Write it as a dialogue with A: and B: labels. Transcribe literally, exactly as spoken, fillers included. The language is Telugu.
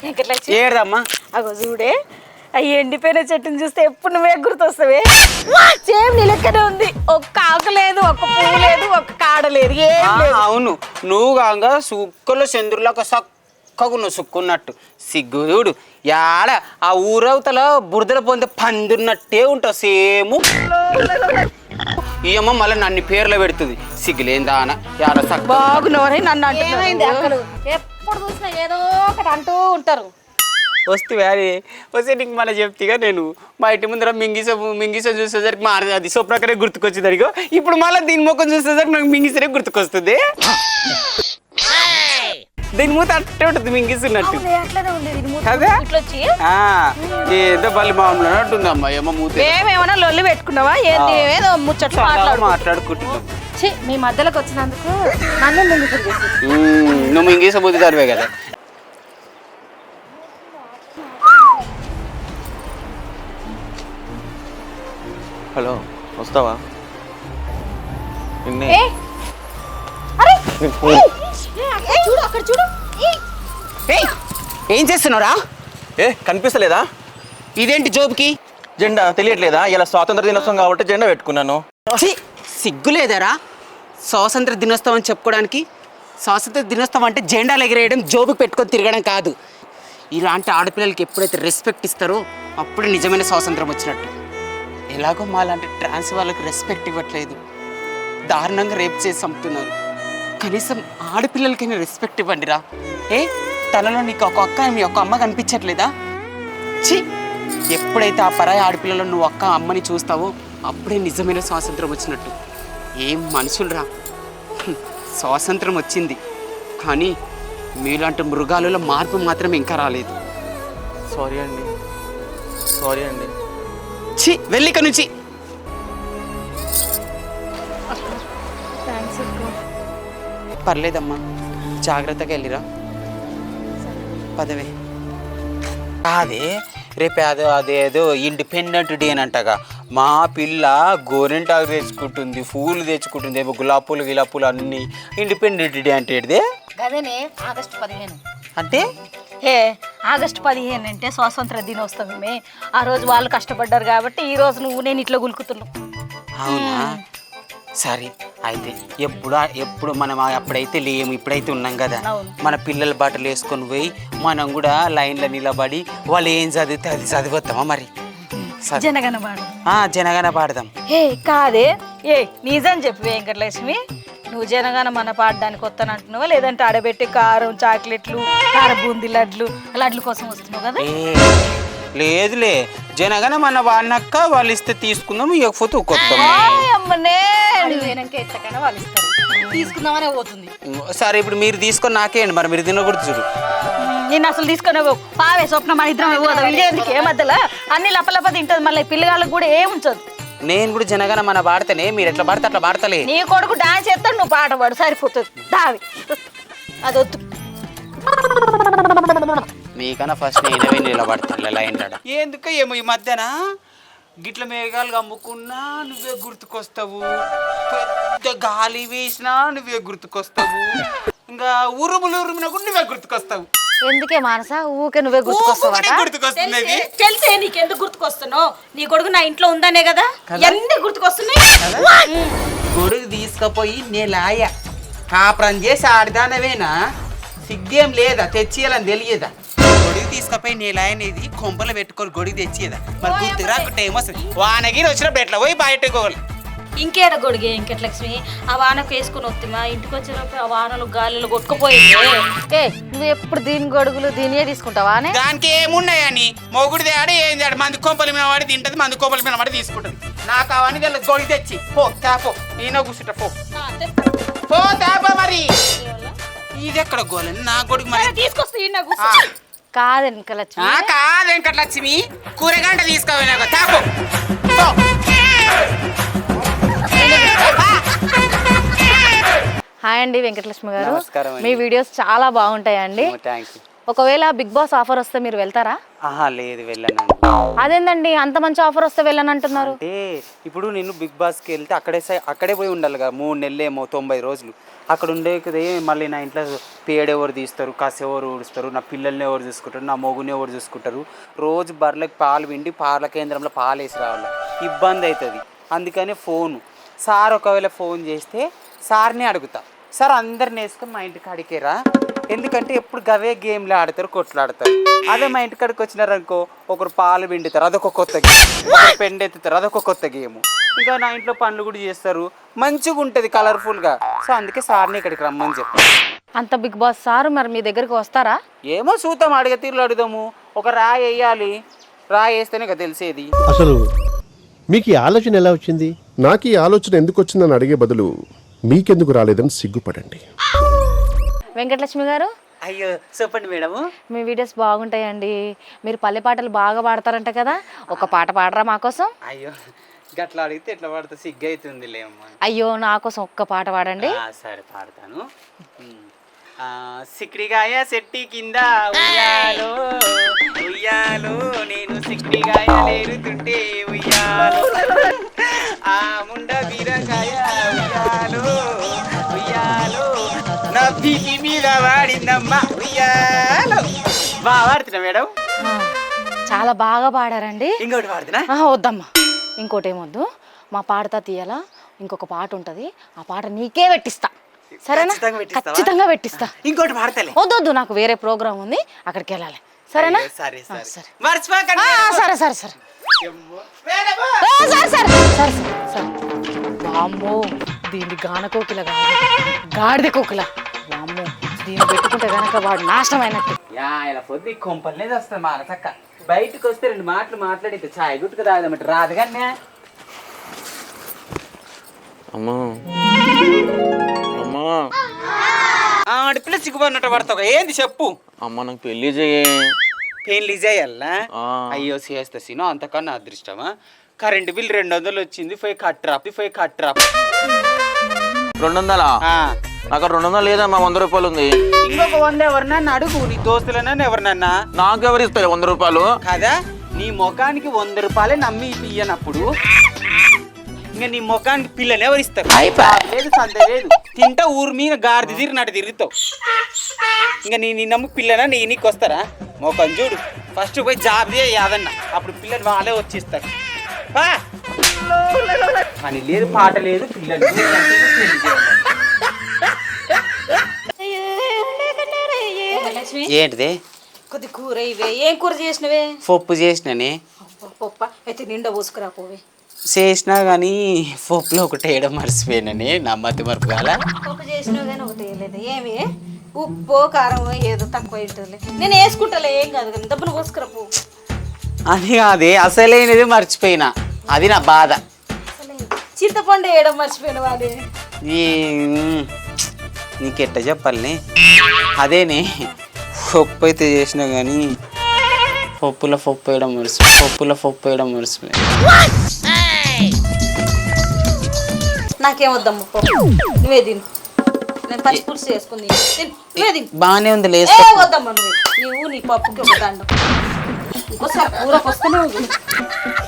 A: ఏడదమ్మా
B: అగో చూడే అవి ఎండిపోయిన చెట్టుని చూస్తే ఎప్పుడు నువ్వే గుర్తొస్తావే. సేమ్ నీ లెక్కనే ఉంది. ఒక్క ఆకు లేదు, ఒక్క పువ్వు లేదు, ఒక్క కాడ లేదు, ఏం లేదు.
A: అవును నువ్వు కాగా సుక్కలో చంద్రులాక సక్కగా నువ్వు సుక్కున్నట్టు సిగ్గు చూడు యాడ ఆ ఊరవతల బురదల పొందే పందున్నట్టే ఉంటావు సేము. ఈ అమ్మ మళ్ళీ నన్ను పేర్లు పెడుతుంది సిగ్గులేందా అన యాడ సక్క
B: బాగున్నావని నన్ను
C: ఏమైంది అక్కడ ఎప్పుడు చూసినా ఏదో ఒకటి అంటూ ఉంటారు.
A: వస్తే వ్యారీ వస్తే నీకు మళ్ళీ చెప్తేగా నేను మా ఇంటి ముందర మింగిస మింగిస చూసేసరికి మా అది స్వప్నకరే గుర్తుకొచ్చింది అడిగో ఇప్పుడు మళ్ళీ దీని ముఖం చూసేసరికి నాకు మింగిసరే గుర్తుకొస్తుంది. దీని మూత అట్టే ఉంటుంది మింగిస్తున్నట్టు అదే ఏదో పల్లి మామూలు అన్నట్టుంది అమ్మా ఏమో మూత.
B: మేమేమన్నా లొల్లి పెట్టుకున్నావా ఏంటి? ఏదో ముచ్చట్లు
A: మాట్లాడుకుంటున్నాం.
C: మీ మధ్యలోకి వచ్చినందుకు నన్ను మింగిసలు చేసి
A: నువ్వు మింగిస బుద్ధి తరివే కదా.
D: హలో వస్తావా?
C: చూడు అక్కడ చూడు.
A: ఏం చేస్తున్నారా?
D: ఏ కనిపిస్తలేదా?
A: ఇదేంటి జోబుకి
D: జెండా తెలియట్లేదా? ఇలా స్వాతంత్ర దినోత్సవం కాబట్టి జెండా పెట్టుకున్నాను.
A: సిగ్గులేదారా స్వాతంత్ర దినోత్సవం అని చెప్పుకోవడానికి? స్వాతంత్ర దినోత్సవం అంటే జెండాలు ఎగిరేయడం జోబుకి పెట్టుకొని తిరగడం కాదు. ఇలాంటి ఆడపిల్లలకి ఎప్పుడైతే రెస్పెక్ట్ ఇస్తారో అప్పుడు నిజమైన స్వాతంత్రం వచ్చినట్టు. ఎలాగో మా లాంటి ట్రాన్స్ వాళ్ళకి రెస్పెక్ట్ ఇవ్వట్లేదు, దారుణంగా రేప్ చేసి చంపుతున్నారు. కనీసం ఆడపిల్లలకైనా రెస్పెక్ట్ ఇవ్వండిరా. ఏ తనలో నీకు ఒక అక్క మీ ఒక్క అమ్మ కనిపించట్లేదా? ఛీ, ఎప్పుడైతే ఆ పరాయి ఆడపిల్లలో నువ్వు ఒక్క అమ్మని చూస్తావో అప్పుడే నిజమైన స్వాతంత్రం వచ్చినట్టు. ఏం మనుషులరా. స్వాతంత్రం వచ్చింది కానీ మీలాంటి మృగాలలో మార్పు మాత్రం ఇంకా రాలేదు.
D: సారీ అండి, సారీ అండి.
A: ఛీ, వెళ్ళిక నుంచి. పర్లేదమ్మా, జాగ్రత్తగా వెళ్ళిరా. పదవే అదే రేపు అదో అదేదో ఇండిపెండెంట్ డే అని అంటగా మా పిల్ల గోరింటాకు తెచ్చుకుంటుంది, పూలు తెచ్చుకుంటుంది, ఏమో గులాబ్ పూలు గిలాబ్ పూలు అన్నీ. ఇండిపెండెంట్ డే అంటే
C: అదేనే ఆగస్టు పదిహేను
A: అంటే
B: ఏ ఆగస్టు పదిహేను అంటే స్వాతంత్ర దినోత్సవమే. ఆ రోజు వాళ్ళు కష్టపడ్డారు కాబట్టి ఈ రోజు నువ్వు నేను ఇట్లా గులుకుతున్నావు.
A: అవునా? సరే అయితే ఎప్పుడు ఎప్పుడు మనం అప్పుడైతే లేము, ఇప్పుడైతే ఉన్నాం కదా. మన పిల్లల బట్టలు వేసుకొని పోయి మనం కూడా లైన్లో నిలబడి వాళ్ళు ఏం చదివితే అది చదివొద్దామా మరి?
B: జనగణ పాడదాం.
A: జనగణ పాడదాం.
B: ఏ కాదే, ఏ నిజం చెప్పు వెంకటలక్ష్మి, నువ్వు జనగణ మన పాడడానికి వస్తానంటున్నావా లేదంటే ఆడబెట్టి కారం చాక్లెట్లు కార బూందీ లడ్లు లడ్ల కోసం వస్తున్నావు కదా?
A: లేదులే, జనగణ మన వాడినక్క వాళ్ళు ఇస్తే తీసుకుందాం, ఇవ్వకపోతే కొత్తాం.
C: వాళ్ళు ఇస్తారు తీసుకుందామనే పోతుంది.
A: సరే ఇప్పుడు మీరు తీసుకొని నాకేయండి మరి, మీరు తినకూడదు చూడు.
B: నేను అసలు తీసుకునే పావే స్వప్న మన ఇద్దరం పోదాం. ఇదేందుకు ఏ మధ్యలో అన్ని లపలప తింటది, మళ్ళీ పిల్లగాళ్ళకి కూడా ఏం ఉంచదు.
A: నేను కూడా జనగణ మన పాడితేనే మీరు ఎట్లా పాడితే అట్లా పాడతలే.
B: నీ కొడుకు డాన్స్ చేస్తాడు, నువ్వు పాట పాడు సరిపోతుంది. దావి అది వద్దు.
A: మీకన్నా ఫస్ట్ నేనవే నిలబడతాను లైన్ కాడ. ఎందుకు ఏమో ఈ మధ్యన గిట్ల మేఘాలు అమ్ముకున్నా నువ్వే గుర్తుకొస్తావు, పెద్ద గాలి వేసినా నువ్వే గుర్తుకొస్తావు, ఇంకా ఉరుములు ఉరుమున కూడా నువ్వే గుర్తుకొస్తావు.
C: ఎందుకే మానస ఊకే నువ్వే గుర్తుకొస్తావు?
A: గుర్తుకొస్తుంది.
B: తెలిసే నీకు ఎందుకు గుర్తుకొస్తున్నావు? నీ కొడుకు నా ఇంట్లో ఉందనే కదా ఎందుకు గుర్తుకొస్తున్నాయి?
A: గొడుగు తీసుకుపోయి నేలాయ కాపురం చేసి ఆడిదానవేనా? సిగ్గేం లేదా? తెచ్చియాలని తెలియదా? గొడుగు తీసుకుపోయి నేలాయనేది కొంపలు పెట్టుకొని గొడుగు తెచ్చేదా? మరి గుర్తు రాకుంటే ఏమొస్తుంది? వానగిరి వచ్చినప్పుడు ఎట్లా పోయి బయటకోవాలి.
B: ఇంకేడ గొడిగే వెంకటలక్ష్మి, ఆ వానకు వేసుకుని వస్తామా ఇంటికి వచ్చినప్పుడు ఆ వానలు గాలిలో కొట్టుకుపోయింది.
C: ఏ నువ్వు ఎప్పుడు దీని గొడుగులు దీనియే తీసుకుంటావా?
A: దానికి ఏమున్నాయని మొగుడిది ఆడ ఏం చేయడు, మంది కొంపల మీద వాడి తింటది, మంది కొంపల మీద వాడి తీసుకుంటది. నాకు అవన్నీ తెలియదు. గొడుగు తెచ్చి పో తాపో, నేను కూర్చుంటా పో పో తాపో. మరి ఇది ఎక్కడ గోలని నా గొడుగు మరి
B: తీసుకొస్తా.
C: కాదు వెంకటలక్ష్మి,
A: కాదు వెంకటలక్ష్మి, కూరగంట తీసుకోవాలి తాపో.
C: హాయ్ అండి వెంకటలక్ష్మి గారు,
A: నమస్కారం.
C: మీ వీడియోస్ చాలా బాగుంటాయండి.
A: Thank you.
C: ఒకవేళ బిగ్ బాస్ ఆఫర్ వస్తే మీరు వెళ్తారా?
A: ఆహా లేదు వెళ్ళనండి.
C: అదేందండి అంత మంచి ఆఫర్ వస్తే వెళ్ళనంటున్నారు?
A: అంటే ఇప్పుడు నేను బిగ్ బాస్కి వెళ్తే అక్కడే సై- అక్కడే పోయి ఉండాలి కదా, మూడు నెలలు ఏమో తొంభై రోజులు అక్కడ ఉండేది. మళ్ళీ నా ఇంట్లో పేడ ఎవరు తీస్తారు, కసి ఎవరు ఊడుస్తారు, నా పిల్లల్ని ఎవరు చూసుకుంటారు, నా మొగుని ఎవరు చూసుకుంటారు, రోజు బర్రెలకు పాలు పిండి పాల కేంద్రంలో పాలు వేసి రావాలి, ఇబ్బంది అవుతుంది. అందుకని ఫోను సార్ ఒకవేళ ఫోన్ చేస్తే సార్ని అడుగుతా, సార్ అందరిని వేసుకొని మా ఇంటికి అడిగేరా, ఎందుకంటే ఎప్పుడు గవే గేమ్లు ఆడతారు, కొట్లాడతారు. అదే మా ఇంటి కాడికి వచ్చినారనుకో, ఒకరు పాలు పిండుతారు, అదొక కొత్త గేమ్, ఒకరు పెండెత్తుతారు, అదొక కొత్త గేమ్. ఇంకా నా ఇంట్లో పనులు కూడా చేస్తారు, మంచిగా ఉంటుంది కలర్ఫుల్గా. సో అందుకే సార్ని ఇక్కడికి రమ్మని చెప్పాను.
C: అంత బిగ్ బాస్ సార్ మరి మీ దగ్గరికి వస్తారా?
A: ఏమో చూద్దాం, అడిగే తీరులో అడుగుదాము. ఒక రాయి వేయాలి, రాయి వేస్తేనే కదా తెలిసేది.
E: అసలు మీకు ఈ ఆలోచన ఎలా వచ్చింది? నాకు ఈ ఆలోచన ఎందుకు వచ్చిందని అడిగే బదులు మీకెందుకు రాలేదని సిగ్గుపడండి.
C: వెంకటలక్ష్మి గారు,
A: అయ్యో చెప్పండి మేడము.
C: మీ వీడియోస్ బాగుంటాయండి. మీరు పల్లె పాటలు బాగా పాడతారంట కదా, ఒక పాట పాడరా మా కోసం?
A: అయ్యో గట్లా అడిగితే ఎట్లా పాడితే సిగ్గు అవుతుంది లేమ్మా.
C: అయ్యో నా కోసం ఒక్క పాట పాడండి.
A: ఆ, సరే పాడతాను. ఆ, సిక్కిడిగాయ చెట్టి కింద ఉయ్యాలో ఉయ్యాలో నేను సిక్కిడిగాయ లేరుతుంటే ఉయ్యాలో, ఆ ముండ బీరకాయ ఉయ్యాలో ఉయ్యాలో నా పీకి మీద వాడిందమ్మా ఉయ్యాలో. బాగా పాడుతున్నా మేడం.
C: ఆ, చాలా బాగా పాడారండి.
A: ఇంకోటి పాడుతున్నా.
C: ఆ, వద్దమ్మా, ఇంకోటి ఏమొద్దు. మా పాడతా తీయాలా ఇంకొక పాట ఉంటుంది, ఆ పాట నీకే పెట్టిస్తా, సరేనా?
A: ఖచ్చితంగా పెట్టిస్తావా?
C: ఖచ్చితంగా పెట్టిస్తా.
A: ఇంకోటి పాడతలే.
C: వద్దు వద్దు, నాకు వేరే ప్రోగ్రామ్ ఉంది, అక్కడికి వెళ్ళాలి, సరేనా?
A: అయ్యో, సరే
C: ఆ,
A: సరే
C: సరే.
A: మర్చిపోకండి.
C: ఆ, సరే సరే సరే
A: మేడము.
C: ఆ, సరే సరే సరే సరే. వామ్మో, దీన్ని గాన కోకిల కాదు, గాడిద కోకిల. వామ్మో, దీన్ని పెట్టుకుంటే గనక వాడు నాశనం అయినట్టు.
A: యా ఇలా పొద్దు కొంపలనే వస్తుంది మా చక్క. బయటకు వస్తే రెండు మాటలు మాట్లాడితే చాయ్ గుట్టుకు తాగదన్నమాట రాదు కానీ.
D: అమ్మా అమ్మా
A: ఆడపిల్ల సిగ్గుపడినట్టు పడతావు, ఏంది చెప్పు.
D: అమ్మ నాకు పెళ్లి చేయ.
A: పెళ్లి చేయాలా?
D: ఆ.
A: అయ్యో చేస్తా సీను, అంతకన్నా అదృష్టమా. కరెంటు బిల్ రెండు వందలు వచ్చింది, పోయి కట్టరా పోయి కట్టరా.
D: రెండు వందలా? నాకు రెండు వందలు లేదమ్మా, వంద రూపాయలు ఉంది.
A: ఇంకొక వంద ఎవరినన్నా అడుగు, నీ దోస్తులన్నా ఎవరినన్నా.
D: నాకు ఎవరు ఇస్తారు వంద రూపాయలు?
A: కదా నీ ముఖానికి వంద రూపాయలే నమ్మి ఇయ్యనప్పుడు ఇంకా నీ ముఖానికి పిల్లని ఎవరు ఇస్తారు? లేదు సంత లేదు, తింటా ఊరి మీద గాడిద తిరిగినట్టు తిరుగుతావు. ఇంకా నీ నీ నమ్ము పిల్లనా నీ నీకు వస్తారా? మొఖం చూడు, ఫస్ట్ పోయి జాబ్ యాదన్న, అప్పుడు పిల్లలు వాళ్ళే వచ్చిస్తారు. పని లేదు పాట లేదు, పిల్లలు ఏంటిది?
B: కొద్ది కూర ఇవే. ఏం కూర చేసినవే?
A: పప్పు చేసిననే.
B: పప్ప అయితే నిండా పోసుకురా పోవే.
A: చేసినా కానీ పప్పులో ఒకటి వేయడం మర్చిపోయినని, నా మతి మరపు కాల.
B: పప్పు చేసినావు కానీ ఒకటి వేయలేదు. ఏమి ఉప్పు కారం ఏదో తక్కువ ఉంటుంది, నేను వేసుకుంటాలే, ఏం కాదు కానీ దబ్బున పోసుకురా పో.
A: అది కాదే, అసలైనది మర్చిపోయినా, అది నా బాధ.
B: చింతపండు వేయడం మర్చిపోయిన వాడే.
A: ఈ నీకెట్ట చెప్పాలని, అదేనే పప్పు అయితే చేసినా కానీ పప్పులో పప్పు వేయడం మర్చిపోయి పప్పులో పప్పు వేయడం మర్చిపోయి.
B: నాకేం వద్దమ్మ పప్పు, నువ్వే తిను. నేను పచ్చి పులుసు చేసుకుంది, నువ్వే తిను.
A: బాగానే ఉంది
B: ఏ
A: లేసు.
B: వద్దమ్మా, నువ్వు నువ్వు నీ పప్పుకి ఒక దండం. ఇంకోసారి కూరకు వస్తూనే ఉంది.